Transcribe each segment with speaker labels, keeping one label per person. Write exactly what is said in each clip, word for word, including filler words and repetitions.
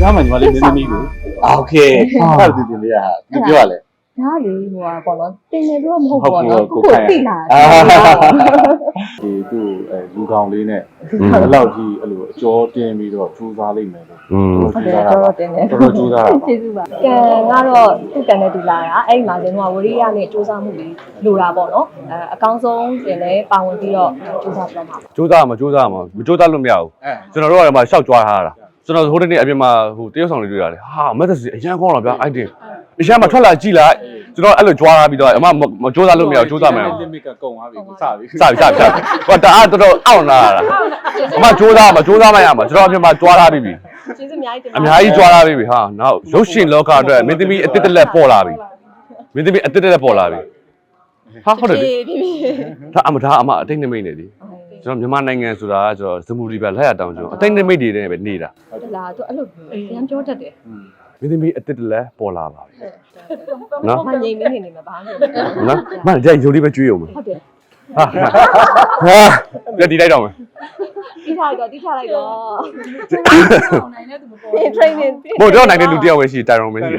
Speaker 1: ကားမှညီမလေးမင်းသမီးကိုโอเคဟုတ်တယ်တင်လေးကသူပြောရလဲ
Speaker 2: ဒါလေဟိုပေါ့နော်တင်နေတော့မဟုတ်ပေါ့နော်ကိုကိုသိလာ
Speaker 1: ဒီသူ့အဲလူကောင်လေးနဲ့အဲ့လောက်ကြီးအဲ့လိုအကျော်တင်ပြီးတော့ထူးစားလိုက်မယ်လို့
Speaker 2: ဟုတ်တယ်တော့တင်တယ်
Speaker 1: တော်တော်ထူးစားတာ
Speaker 2: ကျေးဇူးပါကံကတော့သူ့ကံနဲ့တူလာတာအဲ့ဒီမှာကျွန်တော်ကဝရိယနဲ့စူးစမ်းမှုလေးလိုတာပေါ့နော်အဲအကောင်းဆုံးတင်လဲပါဝင်ပြီးတော့စူးစမ်းပြမှာ
Speaker 3: စူးစမ်းမှာစူးစမ်းမှာမစူးစမ်းလို့မရဘူးကျွန်တော်တို့ကမှရှောက်ကြွားထားတာကျွန်တော်ဟိုတနေ့အပြင်မှာဟိုတရုတ်ဆောင်လေးတွေ့ရတယ်ဟာမက်သစီအရန်ကောင်းတော့ဗျာအိုက်တင်အရန်မှာထွက်လာကြည့်လိုက်ကျွန်တော်အဲ့လိုကြွားထားပြီးတော့အမမစူးစမ်းလို့မရဘူးစူးစမ်းမယ်
Speaker 1: limit ကကုန်သွားပြီစပြီ
Speaker 3: စပြီစပြီစပြီဟိုတအားတော်တော်အောင့်လာတာအမစူးစမ်းမှာစူးစမ်းမရမှာကျွန်တော်အပြင်မှာကြွားထားပြီးပြီ
Speaker 2: ကျေးဇူးအများကြီးတင်
Speaker 3: ပါအများကြီးကြွားထားပြီးပြီဟာနောက်ရုပ်ရှင်လောကအတွက်မင်းသမီးအတစ်တလက်ပေါ်လာပြီမင်းသမီးအတစ်တလက်ပေါ်လာပြီဟာဟုတ်တယ်ဒါအမဒါအမအတိတ်နိမိတ်နေသည်ကျွန်တော်မြန်မာနိုင်ငံဆိုတာကကျွန်တော်စမူရီပဲလက်ရတောင်ကျွန်တော်အတိတ်နိမိတ်တွေနဲ့ပဲနေတာ
Speaker 2: ဟုတ်လားသူအဲ့လိုရမ်းပြောတတ်တယ်
Speaker 3: မင်းသမီးအတစ်တလက်ပေါ်လာပါပြီနော်
Speaker 2: မငြိမ်မနေနေမှာဘာမှမဖြစ်
Speaker 3: ဘူးနော်မကြိုက်ရုပ်လေးပဲကြွေးအောင်
Speaker 2: ဟုတ်တယ်
Speaker 3: ဟာဟာပြတီလိုက်တော့မယ်
Speaker 2: တီးထားလိုက်တော့တီးထားလိုက်တော့နိုင်တဲ့သူမပေါ်ဘူး training
Speaker 3: ဘို့တော့နိုင်တဲ့လူတယောက်ပဲရှိတိုင်ရုံပဲရှိ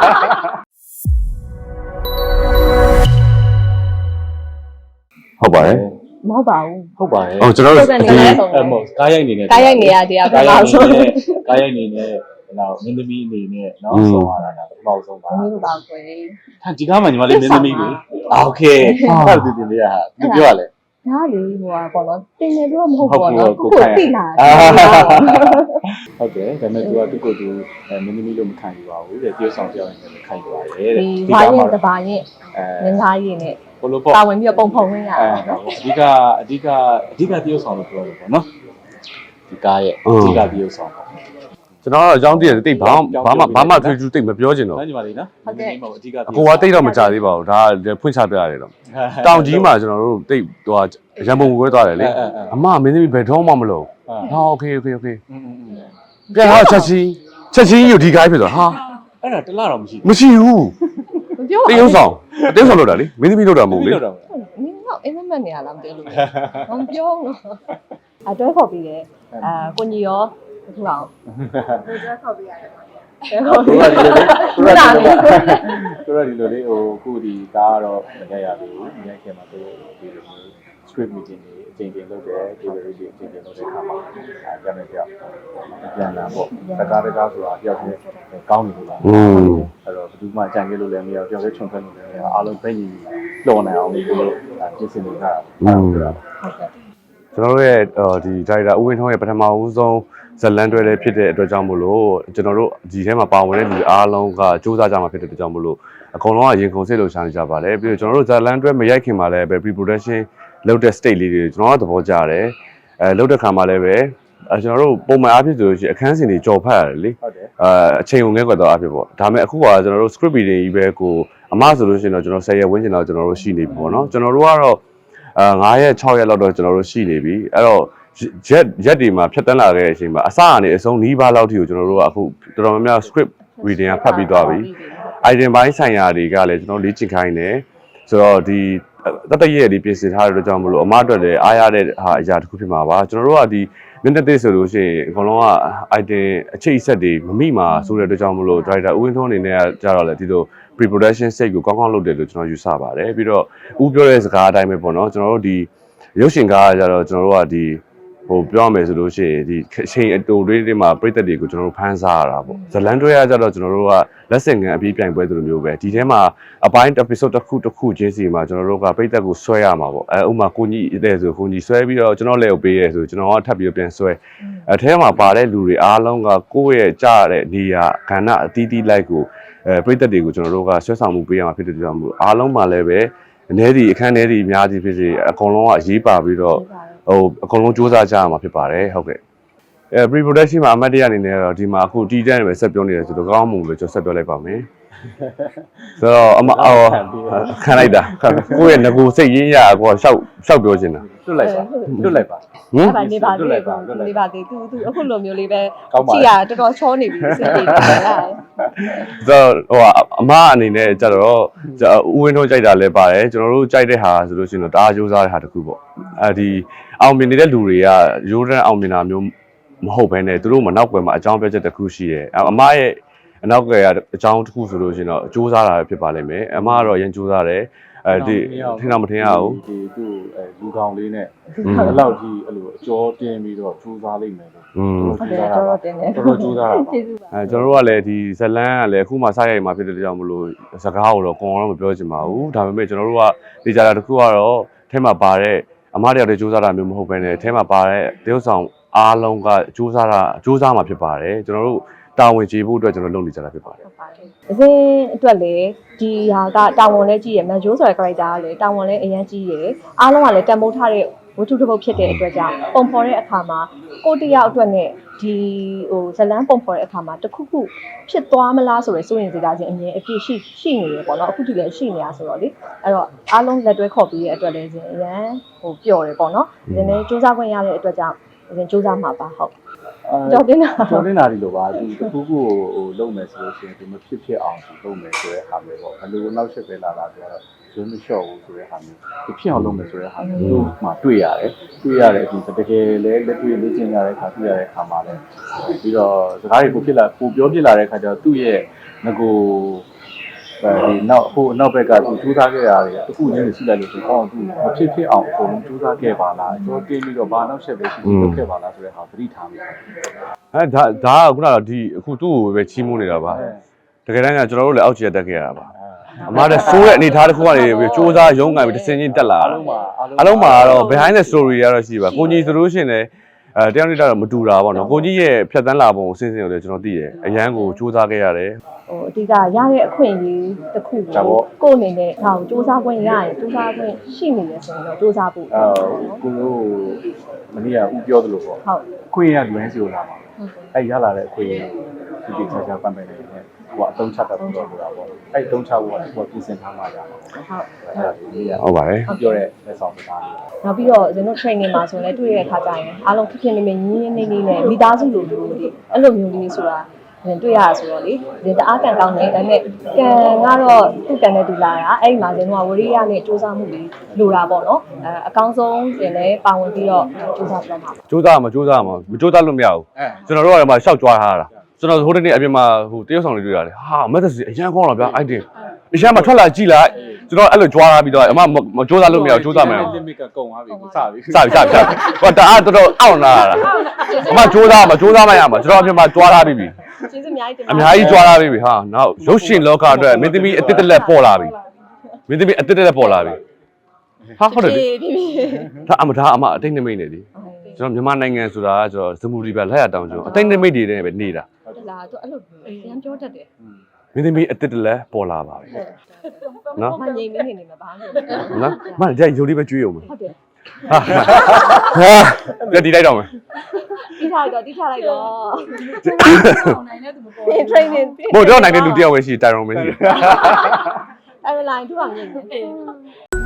Speaker 3: ဟုတ်ပါတယ်
Speaker 2: မဟုတ်ပါဘူး
Speaker 1: ဟုတ်ပါတယ်
Speaker 3: ဟုတ်ကျွန်တော်တို့ဒီ
Speaker 1: အမောကားရိုက်နေနေ
Speaker 2: ကားရိုက်နေရတရားကားရိုက်
Speaker 1: နေနေကားရိုက်နေနေနော်မင်းသမီးအနေနဲ့နော်ဆုံးရတာပထမဆုံးပါ
Speaker 2: မင်းတို့ပါကွယ်
Speaker 1: ဟာဒီကားမှညီမလေးမင်းသမီးကိုโอเคဟုတ်တယ်တင်လေးကသူပြောရလဲ
Speaker 2: ဒါလေဟိုပေါ့နော်တင်နေတော့မဟုတ်ပေါ့နော်ကိုကိုသိလာ
Speaker 1: ဟုတ်တယ်ဒါပေမဲ့သူကသူ့ကိုယ်သူမင်းသမီးလို့မခံယူပါဘူးတဲ့တရုတ်ဆောင်ပြောင်းနေတယ်ခံယူပါတယ်တဲ့
Speaker 2: ဒီဘာရင်တဘာရင်ငင်းသားရင်နဲ့
Speaker 1: ဘလို့ပေါ့
Speaker 2: ပါဝင်ပြီးပုံဖုံရင်းရ
Speaker 1: အဓိကအဓိကအဓိကတရုတ်ဆောင်လို့ပြောလို့ပေါ့နော်ဒီကားရဲ့အဓိကတရုတ်ဆောင်ပေါ့
Speaker 3: ကျွန်တော်တော့အကြောင်းတည်းတိတ်ဘာဘာမှဘာမှထွေးထူးတိတ်မပြောချင်တော့
Speaker 1: ညီမလေးနော်
Speaker 2: ဟုတ်ကဲ့
Speaker 1: အဓိက
Speaker 3: အကိုကတိတ်တော့မကြသေးပါဘူးဒါဖွင့်ချပြရတယ်တော့တောင်ကြီးမှာကျွန်တော်တို့တိတ်ဟိုရံပုံဝဲသွားတယ်လေအမမင်းသမီးဘယ်တော့မှမလို့ဟာโอเคโอเคโอเคပြန်တော့ချက်ချင်းချက်ချင်းယူဒီကိုင်းဖြစ်သွားဟာ
Speaker 1: အဲ့ဒါတလားတော့မရှိ
Speaker 3: မရှိဘူး
Speaker 2: မပြော
Speaker 3: တရုတ်ဆောင်တရုတ်ဆောင်လို့တာလေမင်းသမီးလို့တာမဟုတ်လေ
Speaker 2: နင်းတော့အိမ်မက်မက်နေရလားမသိလို့မပြောဘူးအတွဲခေါ်ပြီးတယ်အာကိုညီရောထူအောင်အတွဲခေါ်ပြီးရတယ်
Speaker 1: ဟုတ်ကဲ့ဒီလိုလေးသူတို့ဒီလိုလေးဟိုခုဒီကားကတော့မရရဘူးမရခင်မှာသူဒီလိုမျိုး script meeting တွေအချိန်ချင်းလုပ်တယ် delivery တွေအချိန်ချင်းလုပ်တဲ့အခါမှာအဲကြမ်းတဲ့ကြောက်ပြန်လာပေါ့တကားတကားဆိုတာတယောက်ချင်းကောင်းနေလို့လားအဲ့တော့ဘယ်သူမှကြံခဲ့လို့လည်းမရဘူးတယောက်ချင်းခြုံထွက်လို့လည်းမရအားလုံးပဲညီလှော်နိုင်အောင်လို့ပြင်ဆင်နေကြတာဟုတ်ကဲ့
Speaker 3: ကျွန်တော်တို့ရဲ့ဒီဒါရိုက်တာဦးဝင်းထွန်းရဲ့ပထမဦးဆုံးဇလန်တွဲလေးဖြစ်တဲ့အတွက်ကြောင့်မို့လို့ကျွန်တော်တို့ဒီထဲမှာပါဝင်တဲ့လူအားလုံးကစူးစမ်းကြမှာဖြစ်တဲ့အတွက်ကြောင့်မို့လို့အကုန်လုံးကရင်ခုန်စိတ်လို့ရှာနေကြပါလေပြီးတော့ကျွန်တော်တို့ဇလန်တွဲမရိုက်ခင်မှာလည်းပဲ pre production လုပ်တဲ့ state လေးတွေကျွန်တော်တို့သဘောကျတယ်အဲလုပ်တဲ့ခါမှာလည်းပဲအဲကျွန်တော်တို့ပုံမှန်အားဖြင့်ဆိုလို့ရှိရင်အခန်းစဉ်တွေကြော်ဖတ်ရတယ်လေအဲအချိန်ုံငဲကွက်တော့အားဖြင့်ပေါ့ဒါပေမဲ့အခုကကျွန်တော်တို့ script reading ကြီးပဲကိုအမဆိုလို့ရှိရင်တော့ကျွန်တော်ဆယ်ရက်ဝန်းကျင်တော့ကျွန်တော်တို့ရှိနေပြီပေါ့နော်ကျွန်တော်တို့ကတော့အဲငါးရက်ခြောက်ရက်လောက်တော့ကျွန်တော်တို့ရှိနေပြီအဲ့တော့ရက်ရက်ဒီမှာဖြတ်တန်းလာခဲ့တဲ့အချိန်မှာအစကနေအဆုံးနီးပါးလောက်ထိကိုကျွန်တော်တို့ကအခုတော်တော်များများ script reading ကဖတ်ပြီးသွားပြီ item ပိုင်းဆိုင်ရာတွေကလည်းကျွန်တော်လေ့ကျင့်ခိုင်းတယ်ဆိုတော့ဒီတတရက်လေးပြင်ဆင်ထားတဲ့အတွက်ကြောင့်မလို့အမအတွက်လည်းအားရတဲ့ဟာအရာတစ်ခုဖြစ်မှာပါကျွန်တော်တို့ကဒီမင်းတက်ဆိုလို့ရှိရင်အကုန်လုံးက item အချိတ်အဆက်တွေမမိမှာဆိုတဲ့အတွက်ကြောင့်မလို့ director ဦးဝင်းထွန်းအနေနဲ့ကကြတော့လေဒီလို pre production stage ကိုကောင်းကောင်းလုပ်တယ်လို့ကျွန်တော်ယူဆပါတယ်ပြီးတော့ဦးပြောတဲ့စကားအတိုင်းပဲပေါ့နော်ကျွန်တော်တို့ဒီရုပ်ရှင်ကားကကြတော့ကျွန်တော်တို့ကဒီဟိုပြောရမယ်ဆိုလို့ရှိရင်ဒီအချိန်အတူလေးတွေမှာပြည်သက်တွေကိုကျွန်တော်တို့ဖန်ဆားရတာပေါ့ဇလန်တွဲရကြတော့ကျွန်တော်တို့ကလက်ဆင့်ကန်အပြီးပြိုင်ပွဲလိုမျိုးပဲဒီထဲမှာအပိုင်း episode တစ်ခုတစ်ခုချင်းစီမှာကျွန်တော်တို့ကပြည်သက်ကိုဆွဲရမှာပေါ့အဲဥမာကိုကြီးတဲ့ဆိုကိုကြီးဆွဲပြီးတော့ကျွန်တော်လည်းကိုပေးရဲဆိုကျွန်တော်ကထပ်ပြီးပြန်ဆွဲအဲထဲမှာပါတဲ့လူတွေအားလုံးကကိုယ့်ရဲ့ကြားတဲ့နေရာခန္ဓာအသီးသီးလိုက်ကိုအဲပြည်သက်တွေကိုကျွန်တော်တို့ကဆွဲဆောင်မှုပေးရမှာဖြစ်တဲ့ကြောင့်မို့အားလုံးမှာလည်းပဲအနေဒီအခန်းထဲဒီအများကြီးဖြစ်စေအကုန်လုံးကအရေးပါပြီးတော့ဟိုအကုန်လုံးစူးစမ်းကြရမှာဖြစ်ပါတယ်ဟုတ်ကဲ့အဲ pre production မှာအမတ်တရအနေနဲ့တော့ဒီမှာအခုတီးတန်းပဲဆက်ပြောနေတယ်ဆိုတော့ကောင်းမှုပဲကျွန်တော်ဆက်ပြောလိုက်ပါမယ်ဆိုတော့အမအော်ခံလိုက်တာကိုယ့်ရဲ့ငကိုစိတ်ရင်းရကိုရှောက်ရှောက်ပြောချင်တာ
Speaker 1: တွတ်လိုက်ပါတွတ်လိုက်ပါ
Speaker 2: ဟမ်နေပါသေးတယ်နေပါသေးသူသူအခုလိုမျိုးလေးပဲကြည့်ရတော်တော်ချောနေပြီစိတ်တွေလား
Speaker 3: ဆိုတော့ဟိုအမအနေနဲ့ကြတော့ဦးဝင်းတို့ကြိုက်တာလည်းပါတယ်ကျွန်တော်တို့ကြိုက်တဲ့ဟာဆိုလို့ရှိရင်တော့တအားကြိုးစားတဲ့ဟာတစ်ခုပေါ့အဲဒီအောင်မြင်နေတဲ့လူတွေကရိုးတန်းအောင်မြင်တာမျိုးမဟုတ်ဘဲနဲ့သူတို့မနောက်ွယ်မှာအကြောင်းပြချက်တစ်ခုရှိတယ်အမရဲ့အနောက်ွယ်ကအကြောင်းတစ်ခုဆိုလို့ရှိရင်တော့စူးစမ်းတာဖြစ်ပါလိမ့်မယ်အမကတော့ရင်စူးစမ်းတယ်အဲဒီထင်တော့မထင်ရဘူး
Speaker 1: ဒီသူ့အဲလူကောင်လေးနဲ့အဲ့လောက်ကြီးအဲ့လိုအကျော်တင်ပြီးတော့စူးစမ်းလိုက်မယ်လို့
Speaker 3: อืม
Speaker 2: ဟုတ်တယ်တော်တော်တင်တယ်
Speaker 1: တော်တော်စူးစမ်းတာပါ
Speaker 2: ကျေးဇူးပါ
Speaker 3: အဲကျွန်တော်တို့ကလည်းဒီဇလန်းကလည်းအခုမှစရိုက်မှာဖြစ်တဲ့ကြောင့်မလို့စကားကိုတော့ကိုယ်တော့မပြောချင်ပါဘူးဒါပေမဲ့ကျွန်တော်တို့ကဒီကြတာတစ်ခုကတော့ထဲမှာပါတဲ့အမားတယောက်တည်းစူးစမ်းတာမျိုးမဟုတ်ဘဲနဲ့ထဲမှာပါတဲ့တရုပ်ဆောင်အားလုံးကစူးစမ်းတာစူးစမ်းမှာဖြစ်ပါတယ်ကျွန်တော်တို့တာဝန်ကျေဖို့အတွက်ကျွန်တော်လုပ်နေကြတာဖြစ်ပါတယ်
Speaker 2: ဟုတ်ပါတယ်အစင်းအတွက်လည်းဒီဟာကတာဝန်လည်းကြီးရယ်မန်ဂျိုးဆိုတဲ့ character ကလည်းတာဝန်လည်းအရင်ကြီးရယ်အားလုံးကလည်းတန်ဖိုးထားတဲ့ဝတ္ထုတစ်ပုဒ်ဖြစ်တဲ့အတွက်ကြောင့်ပုံဖော်တဲ့အခါမှာကိုတယောက်အတွက်နဲ့ဒီဟိုဇလန်းပုံဖော်တဲ့အခါမှာတခုခုဖြစ်သွားမလားဆိုရယ်စိုးရင်စိတ်ဓာတ်ချင်းအမြင်အပြည့်ရှိရှိနေရပေါ့နော်အခုထိလည်းရှိနေတာဆိုတော့လေအဲ့တော့အားလုံးလက်တွဲခေါ်ပြီးတဲ့အတွက်လည်းအရင်ဟိုပျော်တယ်ပေါ့နော်ဒီနေ့စူးစမ်းခွင့်ရတဲ့အတွက်ကြောင့်ဒီစူးစမ်းမှာပါဟုတ်ကြောက်တင်တာ
Speaker 1: ကျော်တင်တာဒီလိုပါသူတခုခုဟိုလုပ်မယ်ဆိုလို့ရှိရင်ဒီမဖြစ်ဖြစ်အောင်သူလုပ်မယ်ဆိုတဲ့ဟာမျိုးပေါ့ဘယ်လိုနောက်ဆက်ပဲလာတာဆိုတော့ဇွန်းမလျှော့ဘူးဆိုတဲ့ဟာမျိုးဒီဖြစ်အောင်လုပ်မယ်ဆိုတဲ့ဟာမျိုးတို့မှတွေ့ရတယ်တွေ့ရတဲ့အပြင်တကယ်လည်းလက်တွေ့လေ့ကျင့်ရတဲ့အခါတွေ့ရတဲ့အခါမှာလည်းပြီးတော့စကားတွေပိုဖြစ်လာပိုပြောဖြစ်လာတဲ့အခါကျတော့သူ့ရဲ့ငကိုအဲဒီနောက်ဟိုနောက်ဘက်ကသူထူးထားခဲ့တာတွေတခုချင်းရှိလိုက်လို့ဆိုတော့သူမဖြစ်ဖြစ်အောင်အကုန်လုံးထူးထားခဲ့ပါလားကျွန်တော်တင်းပြီးတော့ဘာနောက်ဆက်ပဲရှိရှိလုပ်ခဲ့ပါလားဆိုတဲ့ဟာသတိထားမိတယ်
Speaker 3: အဲဒါဒါကခုနကဒီအခုသူ့ကိုပဲချီးမွမ်းနေတာပါတကယ်တမ်းကကျွန်တော်တို့လည်းအောက်ခြေတက်ခဲ့ရတာပါအမားတဲ့ဆိုးတဲ့အနေထားတစ်ခုကနေပြီးစူးစမ်းရုံးကန်ပြီးတစ်စင်းချင်းတက်လာတာအလုံးမှာတော့ behind the story ရတော့ရှိပါကိုကြီးဆိုလို့ရှိရင်လည်းအဲတယောက်နဲ့တော့မတူတာပေါ့နော်ကိုကြီးရဲ့ဖြတ်သန်းလာပုံကိုစဉ်းစဉ်ကိုလည်းကျွန်တော်သိတယ်အရန်ကိုစူးစမ်းခဲ့ရတယ်
Speaker 2: ဟိုအဓိကရတဲ့အခွင့်အရေးတစ်ခုကိုကိုယ့်အနေနဲ့ဒါကိုစူးစမ်းခွင့်ရရင်စူးစမ်းခွင့်ရှိနေတယ်ဆိုရင်တော့စူးစမ်းဖို့
Speaker 1: အဲကိုတို့မနေ့ကဦးပြောသလိုပေါ့
Speaker 2: ဟုတ်
Speaker 1: အခွင့်ရလွမ်းစီလာပါအဲရလာတဲ့အခွင့်ဒီဒီချာချာပန်ပန်နေတယ်ဟိုအတုံးချတာပြောလို့တာပေါ့အဲတုံးချဖို့ကဟိုပြင်ဆင်ထားမှရမှာ
Speaker 2: ဟုတ်
Speaker 1: အဲ့ဒါဒီနေ့က
Speaker 3: ဟုတ်ပါတယ်
Speaker 1: ပြောတဲ့လက်ဆောင်စကားလေး
Speaker 2: နောက်ပြီးတော့ကျွန်တော် training မှာဆိုရင်လည်းတွေ့ရတဲ့အခါကျရင်အားလုံးဖြစ်ဖြစ်နေနေညီညီနေနေနဲ့မိသားစုလိုလိုလေးအဲ့လိုမျိုးလေးဆိုတာတွေ့ရတာဆိုတော့လေဒီတအားကန်ကောင်းနေဒါပေမဲ့ကံကတော့သူ့ကံနဲ့တူလာတာအဲ့ဒီမှာကျွန်တော်ကဝရိယနဲ့စူးစမ်းမှုလေးလိုတာပေါ့နော်အဲအကောင်းဆုံးရင်လည်းပါဝင်ပြီးတော့စူးစမ်းပြတော့မှာ
Speaker 3: စူးစမ်းမှာစူးစမ်းမှာမစူးစမ်းလို့မရဘူးကျွန်တော်တို့ကလည်းမရှောက်ကြွားထားတာကျွန်တော်ဟိုတနေ့အပြင်မှာဟိုတရုတ်ဆောင်တွေတွေ့ရတယ်ဟာမက်သစီအရန်ကောင်းတော့ဗျာအိုက်တင်အရန်မှာထွက်လာကြည့်လိုက်ကျွန်တော်အဲ့လိုကြွားထားပြီးတော့အမမစူးစမ်းလို့မရဘူးစူးစမ်းမယ်
Speaker 1: limit ကကုန်သွားပြီစပြီ
Speaker 3: စပြီစပြီစပြီဟိုတအားတော်တော်အောင့်လာတာအမစူးစမ်းမှာစူးစမ်းမရမှာကျွန်တော်အပြင်မှာကြွားထားပြီးပြီ
Speaker 2: ကျေးဇူးအများကြီးတင်ပါ
Speaker 3: အများကြီးကြွားထားပြီးပြီဟာနောက်ရုပ်ရှင်လောကအတွက်မင်းသမီးအတစ်တစ်လက်ပေါ်လာပြီမင်းသမီးအတစ်တစ်လက်ပေါ်လာပြီဟာဟုတ်တယ်
Speaker 2: ပြီပြီပြီ
Speaker 3: ဒါအမဒါအမအတိတ်နိမိတ်နေသည်ကျွန်တော်မြန်မာနိုင်ငံဆိုတာကကျွန်တော်စမူရီပါလက်ရတောင်ကျွန်တော်အတိတ်နိမိတ်တွေနဲ့ပဲနေတာ
Speaker 2: ဟုတ်လားသူအဲ့လိုရမ်းပြောတတ်တယ်
Speaker 3: မင်းသမီးအတစ်တစ်လက်ပေါ်လာပါပြီနော်
Speaker 2: မငြိမ်မနေနေမှာပါလို့
Speaker 3: နော်မကြိုက်ရုပ်လေးပဲကျွေးအောင်မယ်
Speaker 2: ဟုတ်တယ်
Speaker 3: ဟာဟာကြည့်လိုက်တော့မယ်
Speaker 2: တီးထားလိုက်တော့တီးထားလိုက်တော့
Speaker 4: နိုင်တဲ့သူမပေါ်
Speaker 2: ပြင် training
Speaker 3: ဘို့တော့နိုင်တဲ့လူတယောက်ပဲရှိတိုင်ရုံပဲရှိတယ်
Speaker 2: အဲ့လို line သူကမြင်တယ်